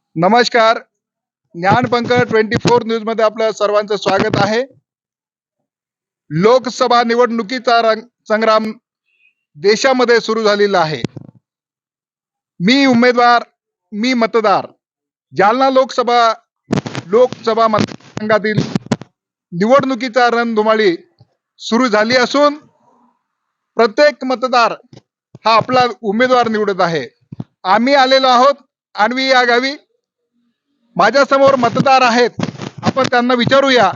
नमस्कार. ज्ञानपंख 24 न्यूज मध्ये आपलं सर्वांचं स्वागत आहे. लोकसभा निवडणुकीचा संग्राम देशामध्ये सुरू झालेला आहे. मी उमेदवार, मी मतदार. जालना लोकसभा मतदारसंघातील निवडणुकीचा रणधुमाळी सुरू झाली असून प्रत्येक मतदार हा आपला उमेदवार निवडत आहे. आम्ही आलेलो आहोत आणवी या गावी. माझ्या समोर मतदार आहेत, आपण त्यांना विचारूया.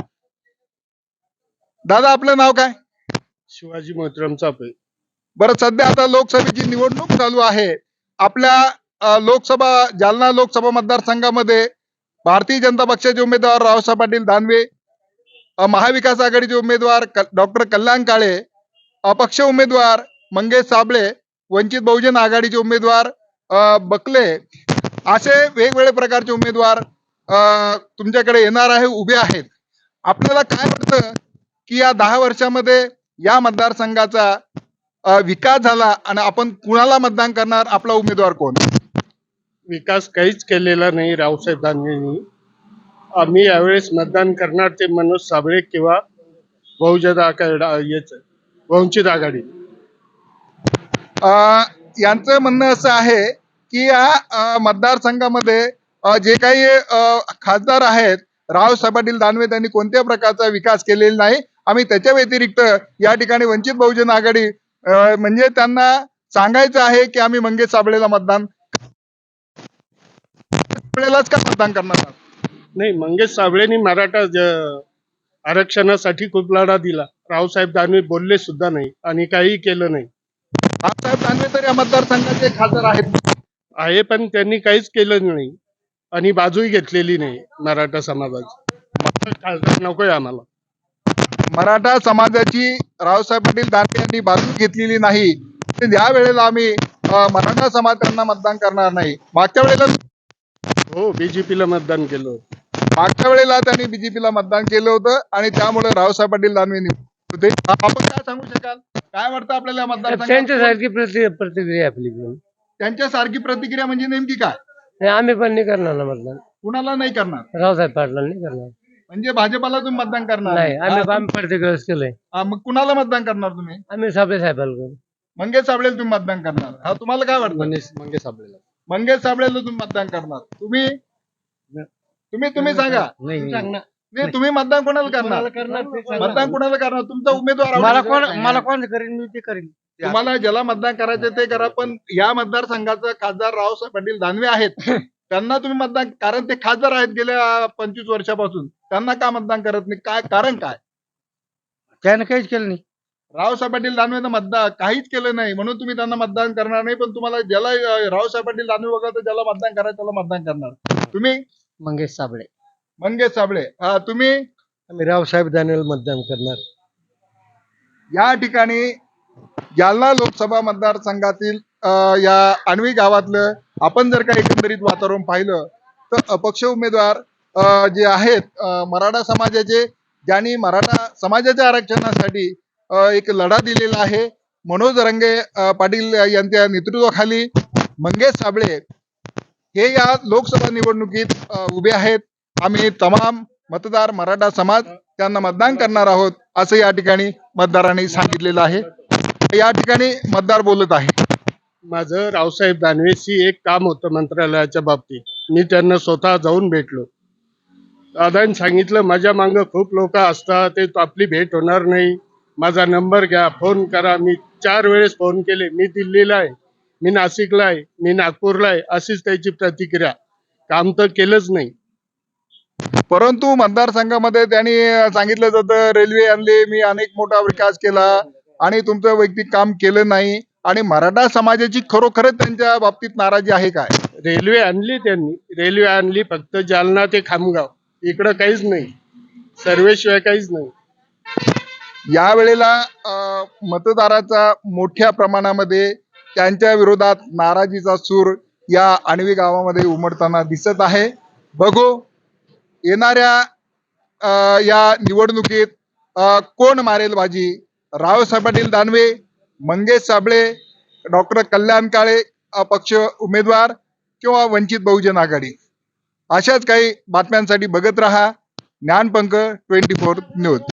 दादा, आपलं नाव काय? शिवाजी मोहतरम चापे. बरं, सध्या आता लोकसभेची निवडणूक चालू आहे. आपल्या जालना लोकसभा मतदारसंघामध्ये भारतीय जनता पक्षाचे उमेदवार रावसाहेब पाटील दानवे, महाविकास आघाडीचे उमेदवार डॉक्टर कल्याण काळे, अपक्ष उमेदवार मंगेश साबळे, वंचित बहुजन आघाडीचे उमेदवार बकले, असे वेगवेगळे प्रकारचे उमेदवार तुमच्याकडे येणार आहे, उभे आहेत. आपल्याला काय वाटतं की या 10 वर्षामध्ये या मतदारसंघाचा विकास झाला आणि आपण कुणाला मतदान करणार? आपला उमेदवार कोण? विकास काहीच केलेला नाही रावसाहेब दानवेंनी. आम्ही यावेळेस मतदान करणार ते मनोज साबळे किंवा बहुजन वंचित आघाडी. यांचं म्हणणं असं आहे की या मतदारसंघामध्ये जे काही खासदार आहेत रावसाहेब पाटील दानवे, त्यांनी कोणत्या प्रकारचा विकास केलेला नाही. आम्ही त्याच्या व्यतिरिक्त या ठिकाणी वंचित बहुजन आघाडी म्हणजे त्यांना सांगायचं आहे की आम्ही मंगेश साबळेला मतदान का मतदान करणार आहात? नाही, मंगेश साबळेंनी मराठा आरक्षणासाठी खूप लढा दिला. रावसाहेब दानवे बोलले सुद्धा नाही आणि काही केलं नाही. रावसाहेब दानवे तर या मतदारसंघाचे खासदार आहेत, पण त्यांनी काहीच केलं नाही आणि बाजूही घेतलेली नाही मराठा समाजाची. खासदार नकोय आम्हाला. मराठा समाजाची रावसाहेब पाटील दानवे यांनी बाजू घेतलेली नाही. या वेळेला आम्ही मराठा समाज त्यांना मतदान करणार नाही. मागच्या वेळेला बीजेपीला मतदान केलं होतं. मागच्या वेळेला त्यांनी बीजेपीला मतदान केलं होतं आणि त्यामुळे रावसाहेब पाटील दानवे होते. आपण काय सांगू शकाल? काय वाटतं आपल्याला मतदारसंघात? त्यांच्यासारखी प्रतिक्रिया आपली पण. त्यांच्यासारखी प्रतिक्रिया म्हणजे नेमकी काय? नाही, आम्ही पण नाही करणार ना मतदान. कुणाला नाही करणार? रावसाहेब पाटलांना नाही करणार. म्हणजे भाजपाला तुम्ही मतदान करणार नाही, आम्ही प्रतिक्रिया केलंय. मग कुणाला मतदान करणार तुम्ही? आम्ही साबळे साहेबाला करू. मंगेश साबळेला तुम्ही मतदान करणार? हा, तुम्हाला काय वाटतं? मंगेश साबळेला. मंगेश साबळेला तुम्ही मतदान करणार? तुम्ही तुम्ही सांगा. नाही, तुम्ही मतदान कोणाला करणार? मतदान कोणाला करणार? तुमचा उमेदवार मला कोण करेन मी ते करेन. तुम्हाला ज्याला मतदान करायचं ते करा, पण या मतदारसंघाचा खासदार रावसाहेब पाटील दानवे आहेत, त्यांना तुम्ही मतदान, कारण ते खासदार आहेत गेल्या 25 वर्षापासून, त्यांना का मतदान करत नाही? काय कारण? काय त्यानं काहीच केलं नाही. रावसाहेब पाटील दानवेनं मतदान काहीच केलं नाही म्हणून तुम्ही त्यांना मतदान करणार नाही, पण तुम्हाला ज्याला रावसाहेब पाटील दानवे वगैरे ज्याला मतदान करायचं त्याला मतदान करणार. तुम्ही? मंगेश साबळे. मंगेश साबळे. तुम्ही? आम्ही रावसाहेब दानवेला मतदान करणार. या ठिकाणी जालना लोकसभा मतदारसंघातील या आणवी गावातलं आपण जर का एकंदरीत वातावरण पाहिलं तर अपक्ष उमेदवार जे आहेत मराठा समाजाचे, ज्यांनी मराठा समाजाच्या आरक्षणासाठी एक लढा दिलेला आहे, मनोज रंगे पाटील यांच्या नेतृत्वाखाली मंगेश साबळे हे या लोकसभा निवडणुकीत उभे आहेत. आम्ही तमाम मतदार मराठा समाज त्यांना मतदान करणार आहोत असं या ठिकाणी मतदारांनी सांगितलेलं आहे. या ठिकाणी मतदार बोलत आहे. माझं रावसाहेब दानवेशी एक काम होतं मंत्रालयाच्या बाबतीत. मी त्यांना स्वतः जाऊन भेटलो. दादांनी सांगितलं माझ्या मागं खूप लोक असतात, ते आपली भेट होणार नाही, माझा नंबर घ्या, फोन करा. मी 4 वेळेस फोन केले. मी दिल्लीला आहे, मी नाशिकला आहे, मी नागपूरला आहे, अशीच त्याची प्रतिक्रिया. काम तर केलंच नाही. परंतु मतदारसंघामध्ये त्यांनी सांगितलं जातं रेल्वे आणली, मी अनेक मोठा विकास केला आणि तुमचं वैयक्तिक काम केलं नाही. आणि मराठा समाजाची खरोखरच त्यांच्या बाबतीत नाराजी आहे काय? रेल्वे आणली त्यांनी, रेल्वे आणली फक्त जालना ते खामगाव, इकडं काहीच नाही, सर्वेशिवाय काहीच नाही. या वेळेला मतदाराचा मोठ्या प्रमाणामध्ये त्यांच्या विरोधात नाराजीचा सूर या आणवी गावामध्ये उमटताना दिसत आहे. बघू येणाऱ्या या निवडणुकीत कोण मारेल बाजी? रावसाहेब पाटील दानवे, मंगेश साबळे, डॉक्टर कल्याण काळे अपक्ष उमेदवार किंवा वंचित बहुजन आघाडी? अशाच काही बातम्यांसाठी बघत राहा ज्ञानपंख 24 न्यूज.